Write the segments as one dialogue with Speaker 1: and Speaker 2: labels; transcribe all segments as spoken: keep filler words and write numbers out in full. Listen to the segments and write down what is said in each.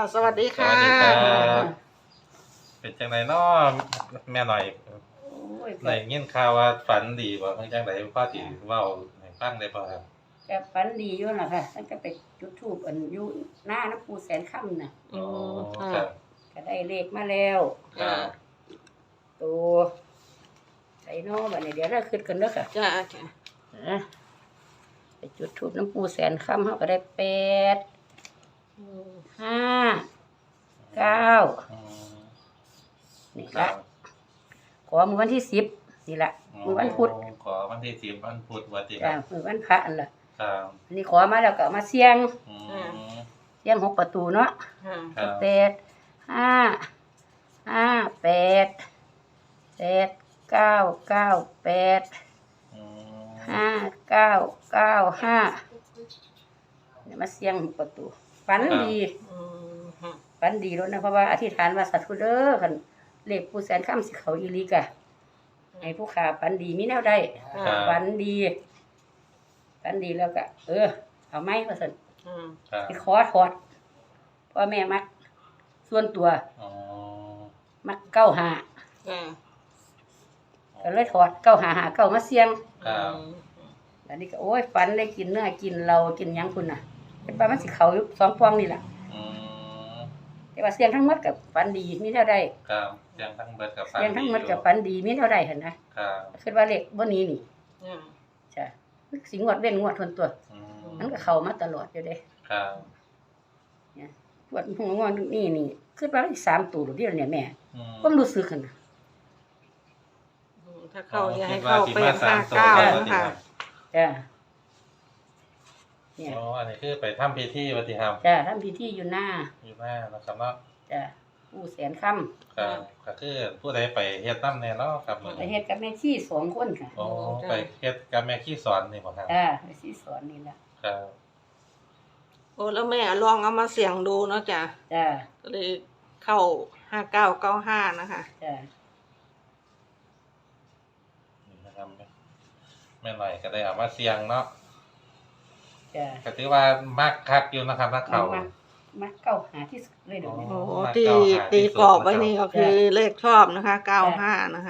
Speaker 1: สวัสดี
Speaker 2: ส
Speaker 1: ค่ะ
Speaker 2: วัสดีครับเป็นจังไดน้อแม่หน่อย
Speaker 3: โอ้ย
Speaker 2: ได้ยินข่าวว่าฝันดีบ่เพิ่นจังไดพ่อสิเว้าให้ฟังได้บ่ครับ
Speaker 3: ก็ฝันดีอยู่น่ะค่ะมันก็ไปจุดธูปอันอยู่หน้าน้ำปูแสนค่ำน่ะ
Speaker 1: อืม
Speaker 2: ค
Speaker 1: ค่ะ
Speaker 2: รับ
Speaker 3: ก็ได้เลขมาแล้ว
Speaker 2: ครับ
Speaker 3: ตัวไอ้น้อบัดนี้เดี๋ยวเราขึ้นกันเด้อค่ะ
Speaker 1: จ้าจ้า
Speaker 3: นะไปจุดธูปน้ำปูแสนค่ำเฮาก็ได้แปด ห้า เก้า
Speaker 2: อืม
Speaker 3: นี่
Speaker 2: ครั
Speaker 3: ละ
Speaker 2: บ
Speaker 3: ขอมื้อวันที่สิบนี่ละมื้อวันพุธ
Speaker 2: ขอวันที่สิบวันพุธว่าติค
Speaker 3: จ้า
Speaker 2: รับ
Speaker 3: มื้อวันพระอันล่ะ
Speaker 2: ครับ
Speaker 3: อันนี้ขอมาแล้วก็เอามาเสี่ยง
Speaker 2: อืม
Speaker 3: เสี่ยงหกประตูเนาะ
Speaker 1: ค่ะ
Speaker 2: ครับ
Speaker 3: แปดห้าห้าแปดแปดเก้าเก้าแปด
Speaker 2: อืม
Speaker 3: ห้าเก้าเก้าห้าเนี่ยมาเสียงประตูฝันดี
Speaker 1: อืมค่ะ
Speaker 3: ฝันดีแล้วนะเพราะว่าอธิษฐานว่าสัตว์ผู้เด้อคันเลขผู้แสนค่ำสิเขาอีหลีกะให้ผู้ขาฝันดีมีแนวได้
Speaker 2: ครับ
Speaker 3: ฝันดีฝันดีแล้วก็ เออ เอาไหมว่าสัน
Speaker 1: อืม
Speaker 2: ครับ
Speaker 3: ไปขอถอดพ่อแม่มัก ส่วนตัว
Speaker 2: อ๋อ
Speaker 3: มักเก้าหา
Speaker 1: ค่ะ
Speaker 3: ก็เลยถอดเก้าหาหาเก้ามาเสียง
Speaker 2: ครับ
Speaker 3: อันนี้ก็โอ้ยฝันได้กินเนื้อกินเรากินหยังคุณน่ะเป็นปลามันสิเขาอยู่สองฟองนี่แหละ
Speaker 2: อืม
Speaker 3: แต่ว่าเสียงทั้งหมดกับฝันดีมีเท่าใด
Speaker 2: ครับเสียงทั้งเบิดกับฝัน
Speaker 3: เสียงทั้งหมดกับ
Speaker 2: อยู่
Speaker 3: ฝันดีมีเท่าใดเห็นนะครับ คิดว่าเลขบ่นี้นี่
Speaker 1: อืม
Speaker 3: จ้ะสิงวดเว้นงวดทนตัว
Speaker 2: อืม
Speaker 3: มันก็เข้ามาตลอดอยู่เด้
Speaker 2: ครับ
Speaker 3: งวดหัวงวดนี่นี่คิดว่าอีกสามตัวเดียวเนี่ยแม่
Speaker 2: อืม
Speaker 3: ความรู้สึกหั่นน่ะ
Speaker 1: อืมถ้าเข้าอย่าให้
Speaker 2: คิดว่า
Speaker 1: เข้า
Speaker 2: สิ
Speaker 1: เป็
Speaker 2: มาน สา
Speaker 1: ห้าม
Speaker 2: ตัว
Speaker 1: เก้า
Speaker 2: แล้ว
Speaker 1: นะ
Speaker 2: ติ
Speaker 1: คะ
Speaker 2: ครับ
Speaker 3: จ้ะเนี่ย
Speaker 2: อ๋ออันนี้คือไปทำพิธีว่าติครับ
Speaker 3: จ้ะทำพิธีอยู่หน้า
Speaker 2: อยู่หน้านะครับเนาะ
Speaker 3: จ้ะผู้แสนค่ำ
Speaker 2: ครับก็คือผู้ใดไปเฮ็ดนำแน่เนาะครับมื้อ
Speaker 3: ไป
Speaker 2: นี้
Speaker 3: เฮ็ดกับแม่ชีสองคนค่ะ
Speaker 2: อ๋อไปเฮ็ดกับแม่ขี้สอนนี่บ่ครับ
Speaker 3: จ้ะแม่ชีสอนนี่ล่ะ
Speaker 2: ครับ
Speaker 1: โอ้แล้วแม่ลองเอามาเสี่ยงดูเนาะจ้ะ
Speaker 3: จ้ะ
Speaker 1: ก็เลยเข้าห้าเก้าเก้าห้านะคะ
Speaker 3: จ้ะ
Speaker 2: นี่นะครับแม่หน่อยก็ได้เอามาเสี่ยงเนาะ
Speaker 3: จ้ะ
Speaker 2: ก็ถือว่ามักคักอยู่นะครับนักเขา
Speaker 3: มักมักเก้าหาที่สุดเลยเดี๋ยวนี้
Speaker 2: อ๋
Speaker 1: โอ้
Speaker 2: อมา
Speaker 1: ตี
Speaker 2: เก้าหาที่
Speaker 1: ตี
Speaker 2: สุด
Speaker 1: กรอบไว้
Speaker 2: นะครับ
Speaker 1: นี่ก็คือเลขชอบนะคะเก้าห้านะคะ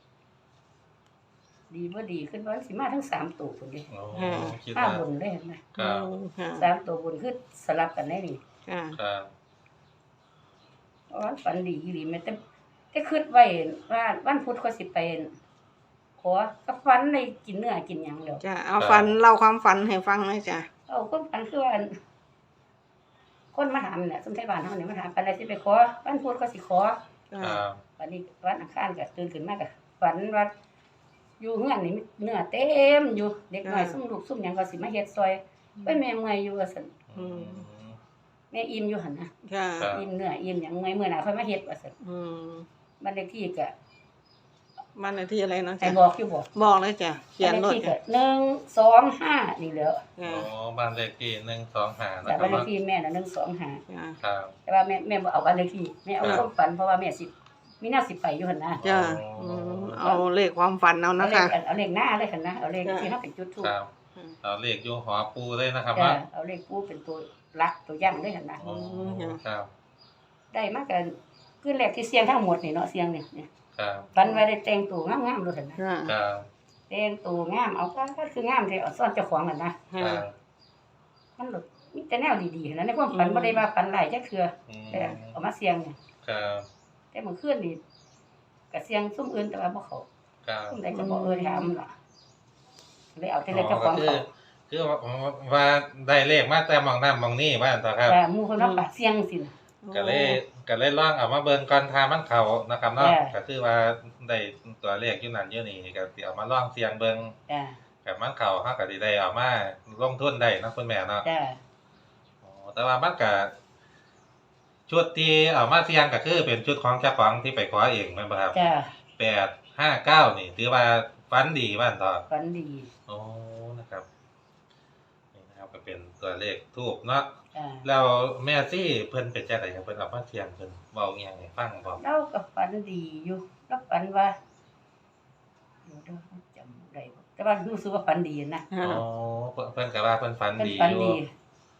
Speaker 3: ดีบ่ดีขึ้นว่าสิมาทั้งสามตัวพุ่นเด้
Speaker 2: โอ้
Speaker 1: อืม
Speaker 2: คิด
Speaker 3: ห้า
Speaker 2: ว่า
Speaker 3: บนได้เห็นไหม
Speaker 2: ครับ
Speaker 1: อืมค่ะ
Speaker 3: สามตัวบนคือสลับกันได้นี่
Speaker 1: ค่ะ
Speaker 2: ครับ
Speaker 3: เพราะว่าฝันดีอีหลีแม่แต่แต่คิดไว้ว่าวันพุธก็สิไปขอกับฝันได้กินเนื้อกินหยังแล้ว
Speaker 1: จะเอาฝันเล่าความฝันให้ฟังหน่อยจ้ะ
Speaker 3: เอาคนฝันคือว่าคนมาถามเนี่ยสมไทยบ้านเฮานี่มาถามปานใดสิไปขอวันพุธก็สิขอ
Speaker 2: ครับ
Speaker 3: วันนี้วันอังคารก็ตื่นขึ้นมาก็ฝันว่าอยู่เฮือนนี่มีเนื้อเต็มอยู่เด็กน้อยซุ่มลูกซุ่มหยังก็สิมาเฮ็ดซอยไปแม่เมื่อยอยู่ว่าซั่น
Speaker 2: อืม
Speaker 3: แม่อิ่มอยู่หั่นนะ
Speaker 1: ค่ะ
Speaker 2: ครับ
Speaker 3: อิ่มเนื้ออิ่มหยังเมื่อยเมื่อหน้าค่อยมาเฮ็ดว่าซั่น
Speaker 1: อืม
Speaker 3: บ้านเลขที่ก็
Speaker 1: บ้านเลขที่อะไรเนาะ
Speaker 3: ให้
Speaker 1: จ้ะ
Speaker 3: บอกอยู่บ่
Speaker 1: บอกเลยจ้ะเขียน
Speaker 3: บ้าน
Speaker 1: ร
Speaker 3: เล
Speaker 1: ถ
Speaker 3: ขที่ก็
Speaker 1: จ้ะ
Speaker 3: หนึ่ง สอง ห้านี่แหล้ว
Speaker 2: โอ้
Speaker 1: ค่ะ
Speaker 2: บ้านเลขที่หนึ่งสองห้านะ
Speaker 3: แต่
Speaker 2: ครั
Speaker 3: บ้า
Speaker 2: บ
Speaker 3: นเลข
Speaker 2: เนาะ
Speaker 3: ที่แม่น่ะหนึ่ง สอง ห้า
Speaker 1: จ้ะ
Speaker 2: ครับ
Speaker 3: แต่ว่าแม่แม่บ่เอาบ้านเลขที่แม่เอา
Speaker 2: ครับ
Speaker 3: ความฝันเพราะว่าแม่สิมีหน้าสิไปอยู่หั่นนะ
Speaker 1: จ้ะอืมเอาเลขความฝันเอา
Speaker 3: เอา
Speaker 1: นะ
Speaker 3: เล
Speaker 1: คะ
Speaker 3: ขเอาเลขหน้าเลยคั่นนะเอาเลข
Speaker 1: จ้ะ
Speaker 3: ที่เฮาเป็นจุดทูป
Speaker 2: ครับเอาเลขอยู่หอปูเลยนะครับ
Speaker 3: จ้ะ
Speaker 2: ว่า
Speaker 3: เอาเลขปูเป็นตัวหลักตัวย่ำเลยหั่นนะ
Speaker 2: โอ้ครับ
Speaker 3: ได้มากันคือแรกที่เสียงทั้งหมดนี่เนาะเสียงนี่เนี่ย
Speaker 2: ครับ
Speaker 3: ฝันไว้ได้แต่งตัวงามๆเลยหั่นนะ
Speaker 1: ค่ะ
Speaker 2: ครับ
Speaker 3: แต่งตัวงามเอาก็คืองามแท้เอาซ่อนเจ้าของหั่นนะ
Speaker 2: ครั
Speaker 1: ค่ะ
Speaker 2: บ
Speaker 3: มันหลุดมีแต่แนวดีๆหั่นนะในความฝันบ่ได้ว่าฝันหลายจักเทื่อ
Speaker 2: อืม
Speaker 3: แต่เอามาเสียงเนี่ย
Speaker 2: ครับ
Speaker 3: แต่เมื่อคืนนี่ก็เสียงซุ่มอื่นแต่ว่าบ่เข้า
Speaker 2: ครับ
Speaker 3: ซุ่มใดก็บ่เอ่ยถามล่ะเลยเอาแต่เลข
Speaker 2: อ๋
Speaker 3: เจ้า
Speaker 2: อ
Speaker 3: ข
Speaker 2: ก็
Speaker 3: อง
Speaker 2: คือ
Speaker 3: เขา
Speaker 2: คือว่าว่าได้เลขมาแต่มองน้ำมองนี่ว่าอันต่อครับ
Speaker 3: แต่หมู่เพิ่นว่าปากเสียงสิน่ะ
Speaker 2: ก็เลยก็เลยลองเอามาเบิ่งก่อนทามันเข้านะครับเนาะ
Speaker 3: จ้ะ
Speaker 2: ก็คือว่าได้ตัวเลขอยู่นั่นอยู่นี่ก็สิเอามาลองเสี่ยงเบิ่ง
Speaker 3: จ้า
Speaker 2: กับมันเข้าเฮาก็สิได้เอามาลงทุนได้เนาะคุณแม่เนาะ
Speaker 3: จ้า
Speaker 2: อ๋อแต่ว่ามันก็ชุดที่เอามาเสี่ยงก็คือเป็นชุดของเจ้าของที่ไปขอเองแม่นบ่ครับ
Speaker 3: จ้า
Speaker 2: แปด ห้า เก้านี่ถือว่าฝันดีว่าอันต่อ
Speaker 3: ฝันดี
Speaker 2: โอ้นะครับนี่นะครับก็เป็นตัวเลขทูบเนาะ
Speaker 3: จ้า
Speaker 2: แล้วแม่ซี่เพิ่นเป็นจังไดครับเพิ่นเอามาเสี่ยงเพิ่นเว้าอีหยังให้ฟังบ่
Speaker 3: เราก็ฝันดีอยู่เราฝันว่าเดี๋ยวเราจำได้บ่แต่ว่ารู้สึกว่าฝันดีนะ
Speaker 1: ค่ะ
Speaker 2: อ๋อเพิ่นเพิ่นก็ว่าเพิ่นฝัน
Speaker 3: เป็น
Speaker 2: ดี
Speaker 3: ฝัน
Speaker 2: อยู่
Speaker 3: ดี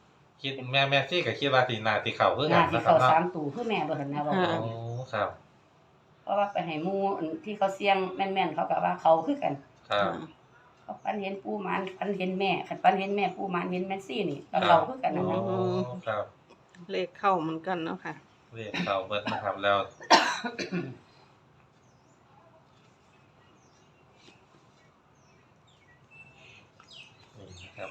Speaker 2: คิดแม่แม่ซี่ก็คิดว่าสิน่าสิเข้าคือกั
Speaker 3: น่าน สิ
Speaker 2: นะครั
Speaker 3: เข้า
Speaker 2: บเนาะ
Speaker 3: สามตู่คือแม่บ่ทันนะบอก
Speaker 2: โอ้ครับ
Speaker 3: เพราะว่าไปให้หมู่อันที่เขาเสี่ยงแม่นๆเขาก็ว่าเขาคือกัน
Speaker 2: ครับ
Speaker 3: เขาปันเห็นปูหมานปันเห็นแม่คันปันเห็นแม่ปูหมานเห็นแม่ซี่นี่ก็เราคือกันนั่น
Speaker 2: โอ้
Speaker 3: นะ
Speaker 2: ครับ
Speaker 1: เลขเข้าเหมือนกันเนาะค่ะ
Speaker 2: เรียกเข้าเบิดนะครับแล้วนี่นะครับ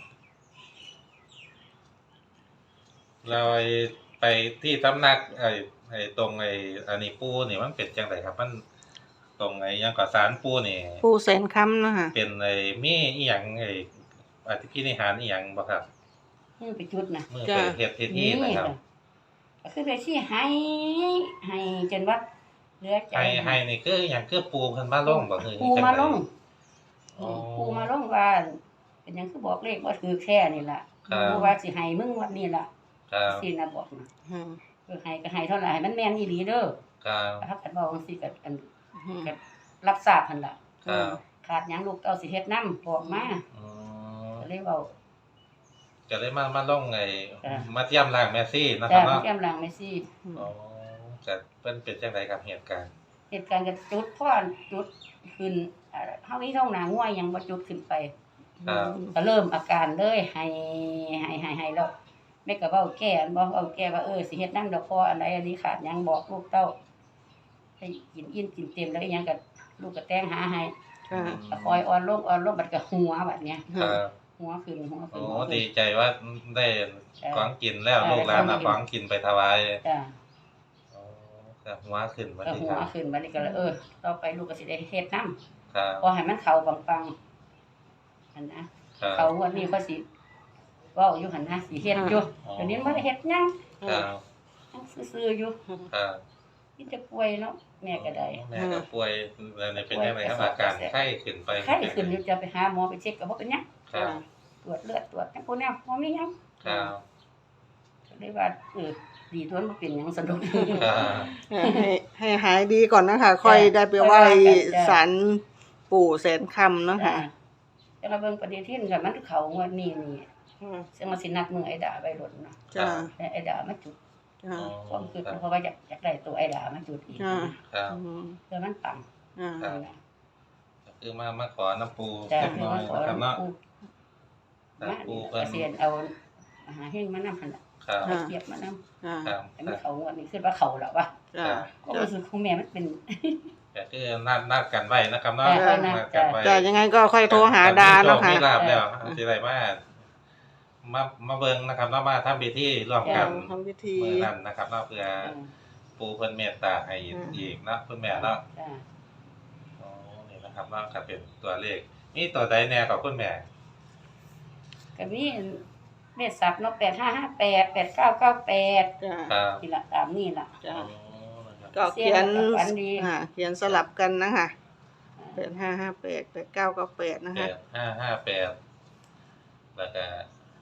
Speaker 2: เราไอ้ไปที่ตำหนักไอ้ไอ้ตรงไอ้อันนี้ปูนี่มันเป็นจังไดครับ มันตรงไอ้หยังก่อสารปูนี่
Speaker 1: ปูแสนคำเนาะค่ะ
Speaker 2: เป็นไอ้มีอีหยังไอ้อธิพินิหารอีหยังบ่ครับ
Speaker 3: มือไปจุดนะ
Speaker 2: มือไปเฮ็ดเฮ็ดที่นะครับ
Speaker 3: ก็คือได้ที่ให้ให้จนว่าเหลือใจ
Speaker 2: ให้ให้นี่คืออหยังคือปูเพิ่นมาลงบ่คือ
Speaker 3: ปูมาลง
Speaker 2: อ๋อ
Speaker 3: ปูมาลงว่าเป็นหยังคือบอกเลขว่าถือแค่นี่ล่ะ
Speaker 2: ครับ
Speaker 3: ปูว่าสิให้มึงวันนี้ล่ะ
Speaker 2: ครับ
Speaker 3: สินะบอกนะ
Speaker 1: อืม
Speaker 3: คือให้ก็ให้เท่าไหร่ให้มันแม่นอีหลีเด้อ
Speaker 2: ครับ
Speaker 3: ถ้าคันบอกจังซี่ก็อัน
Speaker 1: อืม
Speaker 3: ก็รับทราบหั่นล่ะ
Speaker 2: ครับ
Speaker 3: ขาดหยังลูกเต้าสิเฮ็ดนำบอกมา
Speaker 2: อืม
Speaker 3: ก็เลยเว้า
Speaker 2: ก็เลยมามาลงไอ้
Speaker 3: จ้ะ
Speaker 2: มาเทียมร่างแมซี่นะค
Speaker 3: จ้า
Speaker 2: รับเนาะ
Speaker 3: แก้มหลังแม่ซี่
Speaker 2: อ๋อก็เพิ่นเป็นจังไดครับเหตุการณ์
Speaker 3: เหตุการณ์ก็จุดพ่อจุดขึ้นอ่าเฮามีท้องหนาง่วยยังบ่จุดขึ้นไป
Speaker 2: ครับ
Speaker 3: ก็เริ่มอาการเลยให้ให้ให้ให้แล้วแม่ก็เว้าแก้อันบ่เว้าแก้ว่าเออสิเฮ็ดนำดอกพออันใดอันนี้ขาดหยังบอกลูกเต้าให้กินอิ่มกินเต็มแล้วอีหยังก็ลูกก็แต่งหาให้
Speaker 1: ค่ะ
Speaker 3: ก็คอยอ่อนลงอ่อนลงบัดก็หัวบัดเนี้ย
Speaker 2: ครับ
Speaker 3: หัวขึ้นหัวขึ้
Speaker 2: โอ้
Speaker 3: นหัวขึ้
Speaker 2: ดี
Speaker 3: น
Speaker 2: ใจว่าได้ของกินแล้ว
Speaker 3: จ้ะ
Speaker 2: ลูกหลาน
Speaker 3: ได้
Speaker 2: เอา
Speaker 3: ข
Speaker 2: ข
Speaker 3: อ
Speaker 2: อง ง
Speaker 3: กิ
Speaker 2: กิ
Speaker 3: น
Speaker 2: นไปถวาย
Speaker 3: จ้า
Speaker 2: อ๋อครับหัวขึ้นบัด
Speaker 3: ก็
Speaker 2: นี้
Speaker 3: หั
Speaker 2: คว รับ
Speaker 3: ขึ้นบัดนี้ก็เลยเออต่อไปลูกก็สิได้เฮ็ดนำ
Speaker 2: ครับ
Speaker 3: พอให้มันเข้าปังๆอันนะครับ เขาวันนี้ก็สิเว้าอยู่หั่นนะสิเฮ็ดอยู่
Speaker 2: อ๋อ
Speaker 3: เดี๋ยวนี้บ่ได้เฮ็ดหยัง
Speaker 2: ครับ
Speaker 3: ยังซื่อๆอยู่
Speaker 2: ครับ
Speaker 3: ที่จะป่วยเนาะแม่ก็ได้
Speaker 2: แม่ก็ป่วยแล้วนี่เป็นจังไดครับอาการไข้ขึ้นไป
Speaker 3: ไข้ขึ้นอยู่จะไปหาหมอไปเช็คก็บ่เป็นหยัง
Speaker 2: ครับ
Speaker 3: ตรวจเลือดตรวจจังพวกแนวบ่มีหยัง
Speaker 2: ครับ
Speaker 3: ก็เลยว่าเออดีทวนบ่เป็นหยังสนุก
Speaker 2: ครับ
Speaker 1: ให้ให้หายดีก่อนนะคะ ค่อยได้ไปไหว้
Speaker 3: จ้ะ
Speaker 1: ศาลปู่แสนคำเนาะค่ะ
Speaker 3: แต่เราเบิ่งปฏิทินก็มันเข้างวดนี้นี่
Speaker 1: อืม
Speaker 3: ซึ่งมันสินัดมือไอ้ดาไว้รถเนาะ
Speaker 1: จ้า
Speaker 3: แต่ไอ้ดามาจุด
Speaker 1: จ้า
Speaker 3: ความคิดเพราะว่าอยากอยากได้ตัวไอ้ดามาจุดอีก
Speaker 1: จ้า
Speaker 2: ครับ
Speaker 1: อืม
Speaker 3: เพื่อมันปัง
Speaker 1: อ่า
Speaker 2: ครับ ก็คือมามาขอน้ำปู
Speaker 3: จ้ะ
Speaker 2: เล็ก
Speaker 3: คือ
Speaker 2: น้อ
Speaker 3: มาย ขอ
Speaker 2: นะครับเนาะ
Speaker 3: ปู
Speaker 2: ครับ
Speaker 3: มา
Speaker 2: ปู
Speaker 3: นี่
Speaker 2: เพิ่น
Speaker 3: เกษียณเอาอาหารแห้งมานำหั่นน่ะ
Speaker 2: ครับ
Speaker 3: เอาเทียบมานำ
Speaker 1: อ่า
Speaker 2: ครับ
Speaker 3: อันนี้เขางวดนี้คิดว่าเขาแล้ววะ
Speaker 1: จ้า
Speaker 3: ก็รู้สึกของแม่มันเป็น
Speaker 2: ก็คือนัดนัดกันไว้นะครับเนาะ
Speaker 3: จ้ะ
Speaker 2: นัดกันไว้
Speaker 1: จ้ายังไงก็ค่อยโทรหาดาเนาะค่ะ
Speaker 2: มีลาบแล้วสิได้มามามาเบิ่งนะครับเนาะมาทำพิธีร่วมกัน
Speaker 1: ทำพิธี
Speaker 2: มื้อนั้นนะครับเนาะเพื่อปูเพิ่นเมตตาให้อีกเนาะคุณแม่เนาะ
Speaker 3: จ้า
Speaker 2: อ๋อนี่นะครับเนาะก็เป็นตัวเลขมีตัวใดแน่กับคุณแม่
Speaker 3: ก็มีเมษสับเนาะแปดห้าห้าแปดแปดเก้าเก้าแปด
Speaker 1: จ้า
Speaker 2: ครับ
Speaker 3: นี่ละตามนี่ล่ะ
Speaker 1: จ้า
Speaker 2: อ๋อนะครับ
Speaker 1: ก็เขียน
Speaker 3: เสียงกับฝันดี
Speaker 1: อ่าเขียนสลับกันนะคะแปดห้าห้าแปดแปดเก้าเก้าแปดนะ
Speaker 2: แป
Speaker 1: คะ
Speaker 2: ดห้าห้าแปดแล้วก็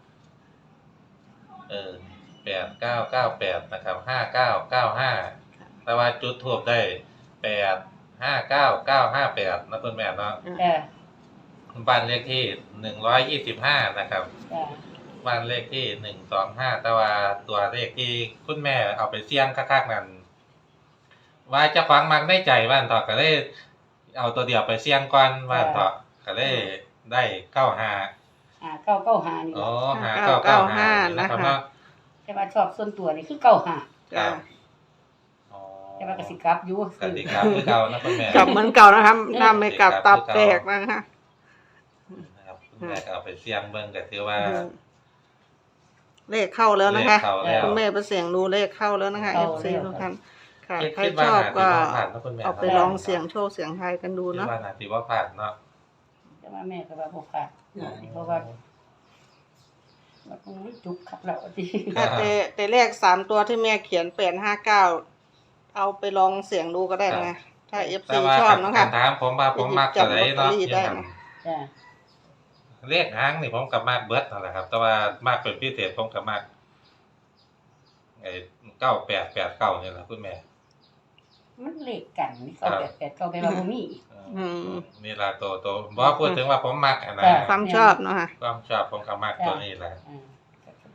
Speaker 2: เออแปดเก้าเก้าแปดนะครับห้าเก้าเก้าห้าแต่ว่าจุดทูบได้แปดห้าเก้าเก้าห้าแปดนะคุณแม่เนาะ
Speaker 3: จ้า
Speaker 2: บ้านเลขที่หนึ่งร้อยยี่สิบห้านะครับ
Speaker 3: จ้า
Speaker 2: บ้านเลขที่หนึ่งสองห้าแต่ว่าตัวเลขที่คุณแม่เอาไปเสี่ยงคักๆนั้นว่าเจะฟังมักได้ใจว่านต่อก็เลยเอาตัวเดียวไปเสี่ยงก่อนว่านต่อก็เลยได้เก้าห้า
Speaker 3: อ่าเก้าเก้าห้านี่
Speaker 2: อ๋อ
Speaker 3: ล่ะ
Speaker 2: หาเก้าเก้าห้านะครับเนาะ
Speaker 3: แต่ว่าชอบส่วนตัวนี่คือเก้าห้า
Speaker 1: จ้า
Speaker 2: อ๋อ
Speaker 3: แต่ว่ากสิกลับอยู่
Speaker 2: กติกาคือเก่านะคุณแม่
Speaker 1: กลับเหมือนเก่านะคะน้ำไม่กลับตับแตกนะคะ
Speaker 2: นะครับคุณแม่ก็เอาไปเสี่ยงเบิ่งก็ถือว่า
Speaker 1: เลขเข้าแล้วนะคะ
Speaker 2: เลขเข้าแล้ว
Speaker 1: คุณแม่ไปเสียงดูเลขเข้าแล้วนะคะ
Speaker 3: เข้า
Speaker 1: เอฟซี
Speaker 3: แล้ว
Speaker 1: ทุกท่านค่ะ
Speaker 2: คิด
Speaker 1: ใคร
Speaker 2: คิด
Speaker 1: ช
Speaker 2: ว่า
Speaker 1: อบก็
Speaker 2: น่าสิบ่ผ่านนะคุณแม่
Speaker 1: เอาไปลองเสียงโชว์เสียงไทายกันดู
Speaker 2: คิด
Speaker 1: เนาะ
Speaker 2: ว่าน่าสิบ่ผ่านเนาะ
Speaker 3: แต่ว่าแม่ก็ว่าบ่ขาดเพราะว่าว่าคงไม่จุกขับแล้วที่
Speaker 1: ค่ะแต่แต่เลขสามตัวที่แม่เขียนแปดห้าเก้าเอาไปลองเสียงดูก็ได้นะถ้าเอฟ
Speaker 2: แต่
Speaker 1: ซี
Speaker 2: ว่า
Speaker 1: ชอบเนาะค่ะ
Speaker 2: คำถามผมว่าผมมักตัวไหนเนาะ
Speaker 1: หยิบจับลอตเตอรี่ได้นะ
Speaker 3: จ้า
Speaker 2: เลขหางนี่ผมกับมากเบิดนั่นแหละครับ แต่ว่ามากเป็นพิเศษผมกับมากไอ้เก้าแปดแปดเก้านี่แหละคุณแม่
Speaker 3: มันเลขกันนี่เก้าแปดแปดเก้าไปว่าบ่มีอีก
Speaker 1: อืม
Speaker 2: นี่ละตัวตัวบอกพูดถึงว่าผมมักอะนะ
Speaker 3: จ้ะ
Speaker 1: ความชอบเนาะค่ะ
Speaker 2: ความชอบผมกับมากตัวนี้แหละ
Speaker 3: อ่าก็แสด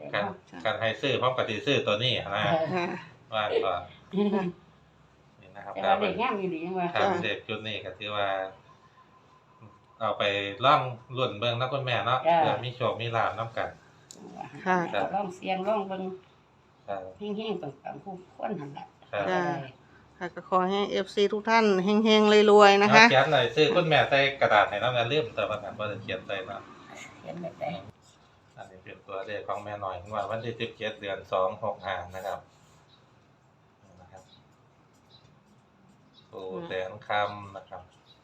Speaker 2: การ
Speaker 3: เนาะ
Speaker 2: การให้ซื้อพร้อมกับที่ซื้อตัวนี้นะ
Speaker 3: เออ
Speaker 1: ค่ะ
Speaker 2: ว่าก่อนนี่นะครับ
Speaker 3: แต่ว่าเด็กงามอีหลีจังว่า
Speaker 2: ครับเด็กจุดนี้ก็ถือว่า เอาไปล่องรุ่นเบิ่งนะคุณแม่เนาะ
Speaker 3: จ้ะ
Speaker 2: เพื่อมีโชคมีลาภนํกัน
Speaker 1: ค่ะ
Speaker 3: ก็ลองเสียงลองเบิ่ง
Speaker 2: ครับ
Speaker 3: แห้งๆปังๆผู้คนหั่นล่ะ
Speaker 2: ครับ
Speaker 1: จ้ะ ค่ะก็ขอให้ เอฟ ซี ทุกท่านเฮงๆรวยๆนะคะ
Speaker 2: เอาเขียนหน่อยซื้อคุณแม่ใส่กระดาษให้น้ำอย่าลืมแต่ว่าบ่ได้เขียนใส่เนาะ
Speaker 3: เขียนแบบใด
Speaker 2: อันนี้เป็นตัวเลขของแม่หน่อยงวดวันที่สิบเจ็ดเดือนสองหกห้านะครับนี่นะครับปู่แสนคำนะครับ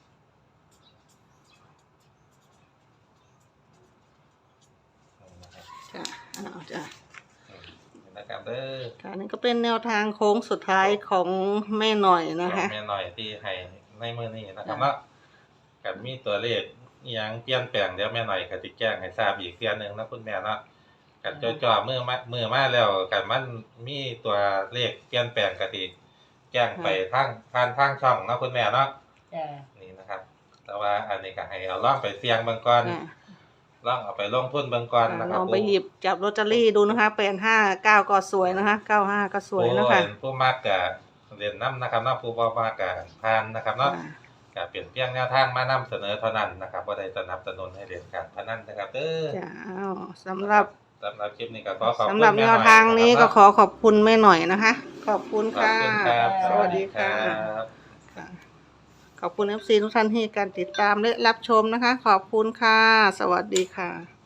Speaker 2: นี่นะครับ
Speaker 1: จ้ะเอาจ้ะ
Speaker 2: นี่นะครับเด้อ
Speaker 1: ค่ะนี่ก็เป็นแนวทางโค้งสุดท้ายของแม่หน่อยนะคะ
Speaker 2: แม่หน่อยที่ให้ในมือนี้นะครับเนาะกับมีตัวเลขอิหยังเปลี่ยนแปลงเดี๋ยวแม่หน่อยก็สิแจ้งให้ทราบอีกเทื่อนึงนะคุณแม่เนาะกับจ่อๆมือมามือมาแล้วกันมันมีตัวเลขเปลี่ยนแปลงก็สิแจ้งไปทางผ่านทางช่องเนาะคุณแม่เนาะ
Speaker 3: จ้ะ
Speaker 2: นี่นะครับ แต่ว่าอันนี้ก็ให้เอาล่องไปเสี่ยงเบิ่งก่อน
Speaker 1: อ่ะ
Speaker 2: ล่องเอาไปลงทุนเบิ่งก่อนนะค
Speaker 1: ล
Speaker 2: รับ
Speaker 1: องไปหยิบจับลอตเตอรี่ดูนะคะแปดห้าเก้าก็สวยนะคะเก้าห้าก็สวยนะคะ
Speaker 2: ผู้ผู้มากกะเรียนน้ำนะครับเนาะผู้บ่มากกะพานนะครับเนาะ
Speaker 1: อ่ะ
Speaker 2: ก็เปลี่ยนเพียงแนวทางมานำเสนอเท่านั้นนะครับบ่ได้สนับสนุนให้เรียนการพนันนะครับเด้อ
Speaker 1: จ้ะเอาสำหรับ
Speaker 2: สำหรับคลิปนี้ก็ขอขอบคุณ
Speaker 1: สำหรับ
Speaker 2: ม่
Speaker 1: แน
Speaker 2: น่
Speaker 1: ว
Speaker 2: อย
Speaker 1: ทางนี้ก็
Speaker 2: ะ
Speaker 1: ขอขอบคุณแม่หน่อยนะคะ ขอบคุณ
Speaker 2: ขอบ
Speaker 1: ค่ะ
Speaker 2: คุณครับ
Speaker 1: สวัสดีค่ะ
Speaker 2: รับ
Speaker 1: ค่ะ ขอบคุณ เอฟ ซี ทุกท่านที่การติดตามและรับชมนะคะ ขอบคุณค่ะ สวัสดีค่ะ